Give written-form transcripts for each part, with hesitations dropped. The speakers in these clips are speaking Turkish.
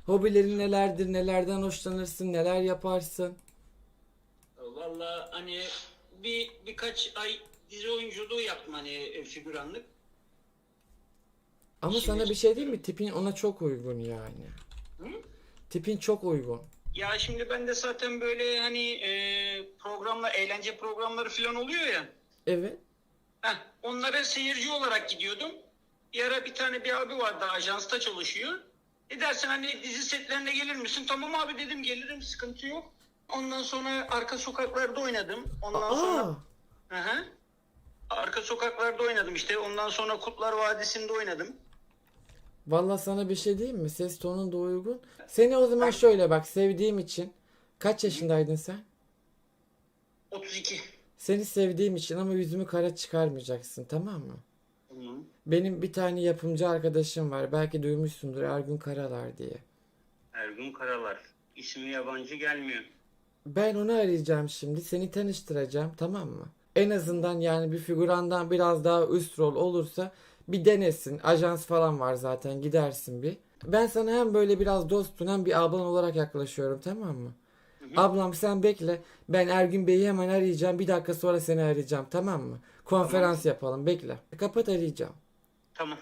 Hobilerin nelerdir? Nelerden hoşlanırsın? Neler yaparsın? Vallahi hani birkaç ay dizi oyunculuğu yaptım hani figüranlık. Ama Şimdi sana bir şey diyeyim mi? Tipin ona çok uygun yani. Hı? Tipin çok uygun. Ya şimdi ben de zaten böyle hani programlar, eğlence programları falan oluyor ya. Evet. Onlara seyirci olarak gidiyordum. Bir ara bir tane bir abi vardı, ajansta çalışıyor. Dersen hani dizi setlerine gelir misin? Tamam abi dedim, gelirim, sıkıntı yok. Ondan sonra arka sokaklarda oynadım. Ondan sonra Aa, hı hı. Arka sokaklarda oynadım işte. Ondan sonra Kurtlar Vadisi'nde oynadım. vallahi sana bir şey diyeyim mi? Ses tonun da uygun. Seni o zaman şöyle bak, sevdiğim için. Kaç yaşındaydın sen? 32. Seni sevdiğim için ama yüzümü kara çıkarmayacaksın, tamam mı? Hı. Benim bir tane yapımcı arkadaşım var. Belki duymuşsundur, Ergün Karalar diye. Ergun Karalar. İsmi yabancı gelmiyor. Ben onu arayacağım şimdi. Seni tanıştıracağım, tamam mı? En azından yani bir figürandan biraz daha üst rol olursa bir denesin. Ajans falan var zaten, gidersin bir. Ben sana hem böyle biraz dostun hem bir ablan olarak yaklaşıyorum, tamam mı? Hı hı. Ablam sen bekle. Ben Ergün Bey'i hemen arayacağım. Bir dakika sonra seni arayacağım, tamam mı? Tamam. Konferans yapalım, bekle. Kapat, arayacağım. Tamam.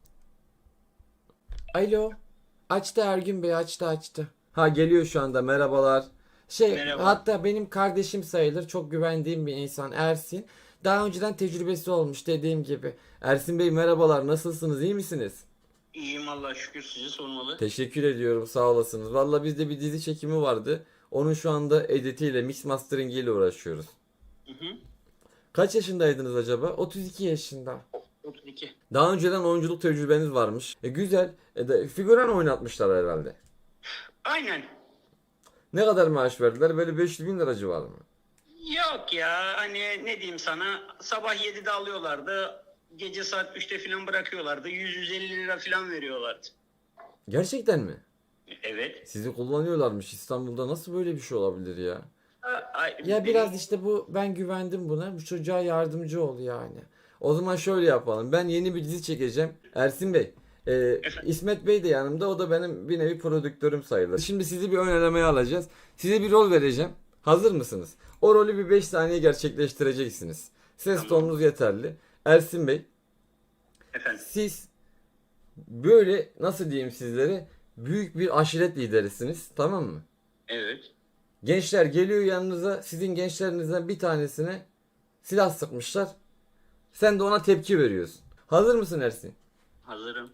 Alo. Açtı Ergün Bey, açtı. Ha, geliyor şu anda, merhabalar. Merhaba. Hatta benim kardeşim sayılır, çok güvendiğim bir insan Ersin. Daha önceden tecrübesi olmuş dediğim gibi. Ersin Bey merhabalar, nasılsınız, iyi misiniz? İyiyim Allah'a şükür, sizi sormalı. Teşekkür ediyorum, sağ olasınız. Valla bizde bir dizi çekimi vardı. Onun şu anda editiyle, mix mastering ile uğraşıyoruz. Hı hı. Kaç yaşındaydınız acaba? 32 yaşında. 32. Daha önceden oyunculuk tecrübeniz varmış. Güzel. Figüran oynatmışlar herhalde. Aynen. Ne kadar maaş verdiler? Böyle 500 bin lira civarı mı? Yok ya, hani ne diyeyim sana, sabah 7'de alıyorlardı, gece saat 3'te falan bırakıyorlardı, 100-150 lira falan veriyorlardı. Gerçekten mi? Evet. Sizi kullanıyorlarmış. İstanbul'da nasıl böyle bir şey olabilir ya? Ya biraz Benim işte bu, ben güvendim buna. Bu çocuğa yardımcı ol yani. O zaman şöyle yapalım. Ben yeni bir dizi çekeceğim. Ersin Bey. efendim, İsmet Bey de yanımda. O da benim bir nevi prodüktörüm sayılır. Şimdi sizi bir ön elemeye alacağız. Size bir rol vereceğim. Hazır mısınız? O rolü bir 5 saniye gerçekleştireceksiniz. Ses tamam tonunuz yeterli. Ersin Bey, efendim, siz böyle nasıl diyeyim sizlere, büyük bir aşiret liderisiniz, tamam mı? evet, Gençler geliyor yanınıza, sizin gençlerinizden bir tanesine silah sıkmışlar. Sen de ona tepki veriyorsun. Hazır mısın Ersin? hazırım,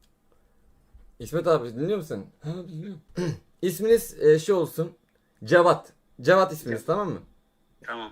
İsmet abi dinliyor musun? Ha, dinliyorum. İsminiz şey olsun. Cevat. Cevat isminiz, tamam mı? tamam.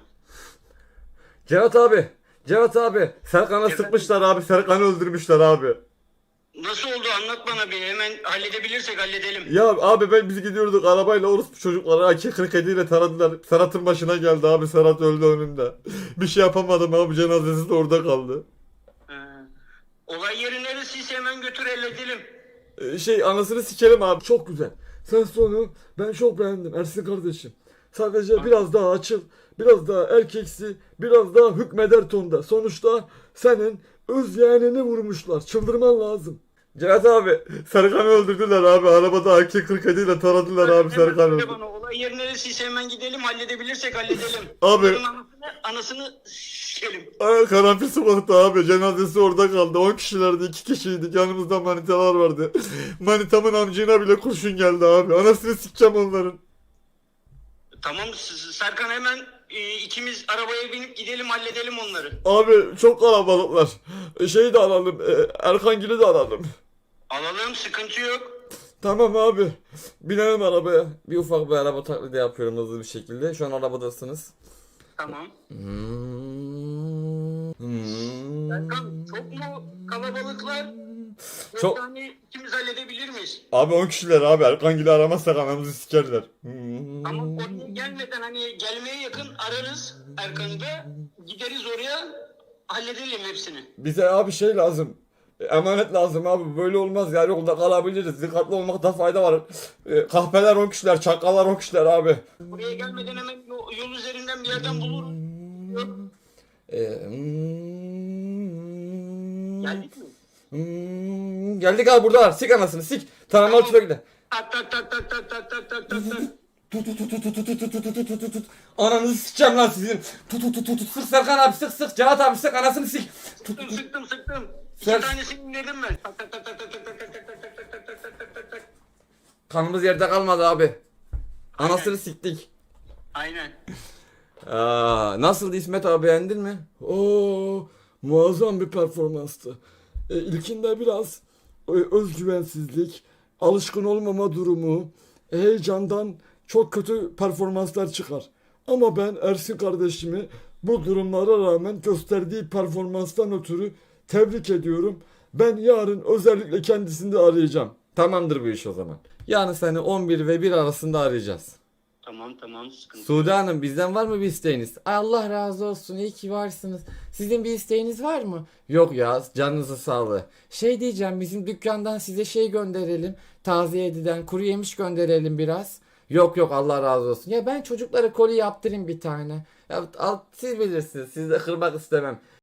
Cevat abi. Cevat abi. Serkan'a Efendim? sıkmışlar abi. Serkan'ı öldürmüşler abi. Nasıl oldu, anlat bana bir, hemen halledebilirsek halledelim. Ya abi biz gidiyorduk arabayla, orospu çocukları AK-47 ile taradılar. Serhat'ın başına geldi abi. Serhat öldü önümde. Bir şey yapamadım abi. Cenazesi de orada kaldı. Ee, Olay yeri neresiyse hemen götür, halledelim. Anasını sikerim abi. Çok güzel. Sen sonu ben çok beğendim Ersin kardeşim. Sadece biraz daha açıl. Biraz daha erkeksi. Biraz daha hükmeder tonda. Sonuçta senin öz yeğenini vurmuşlar. Çıldırman lazım. Cihat abi, Serkan'ı öldürdüler abi. Arabada AK-47 ile taradılar abi, Hemen Serkan söyle öldü. bana, olay yeri neresiyse hemen gidelim, halledebilirsek halledelim. Abi. Onların anasını sikelim. Ay, karanfil sokakta abi, cenazesi orada kaldı. 10 kişilerdi, 2 kişiydik, yanımızda manitalar vardı. Manitamın amcına bile kurşun geldi abi. Anasını sikeceğim onların. Tamam Serkan, hemen ikimiz arabaya binip gidelim, halledelim onları. Abi çok kalabalıklar. Şeyi de alalım, Erkangil'i de alalım. Alalım, sıkıntı yok. Tamam abi. Binelim arabaya. Bir ufak bir araba taklidi yapıyorum hızlı bir şekilde. Şu an arabadasınız. Tamam. Hmm. Serkan, çok mu kalabalıklar? Çok. Yani ikimiz halledebilir miyiz? Abi 10 kişiler abi. Erkangil'i aramazsak anamızı sikerler. Tamam, oraya gelmeden hani gelmeye yakın ararız Erkan'ı da, gideriz oraya, halledelim hepsini. Bize abi şey lazım. Emanet lazım abi. Böyle olmaz yani, yolda kalabiliriz. Dikkatli olmakta fayda var. Kahpeler 10 kişiler, çakallar 10 kişiler abi. Buraya gelmeden hemen yol üzerinden bir yerden buluruz. Yok. Geldik mi? Geldik abi, buradalar. Sik anasını sik. Tanımalı Tamam. tüfekle. Tak tak tak tak tak tak tak tak tak tak. Tut tut tut tut tut tut tut tut tut tut tut. Ananızı sikeceğim lan sizin. Tut tut tut tut tut. Sık Serkan abi, sık sık. Cevat abi sık, anasını sik. Tut tut tut. Sıktım. Sen- İki tanesini indirdim ben. Tak tak tak tak tak tak tak tak tak tak tak tak tak tak tak tak tak. Kanımız yerde kalmadı abi. Anasını siktik. Aynen. Nasıldı İsmet abi, beğendin mi? Oo, muazzam bir performanstı. İlkinde biraz özgüvensizlik, alışkın olmama durumu, heyecandan çok kötü performanslar çıkar. Ama ben Ersin kardeşimi bu durumlara rağmen gösterdiği performanstan ötürü tebrik ediyorum. Ben yarın özellikle kendisini de arayacağım. Tamamdır bu iş o zaman. Yarın seni 11 ve 1 arasında arayacağız. Tamam sıkıntı. Sude Hanım, bizden var mı bir isteğiniz? Ay, Allah razı olsun, iyi ki varsınız. Sizin bir isteğiniz var mı? Yok ya, canınızı sağlığı. Şey diyeceğim, bizim dükkandan size şey gönderelim. Taze ediden kuru yemiş gönderelim biraz. Yok Allah razı olsun. Ya ben çocuklara koli yaptırayım bir tane. Ya siz bilirsiniz, sizi de kırmak istemem.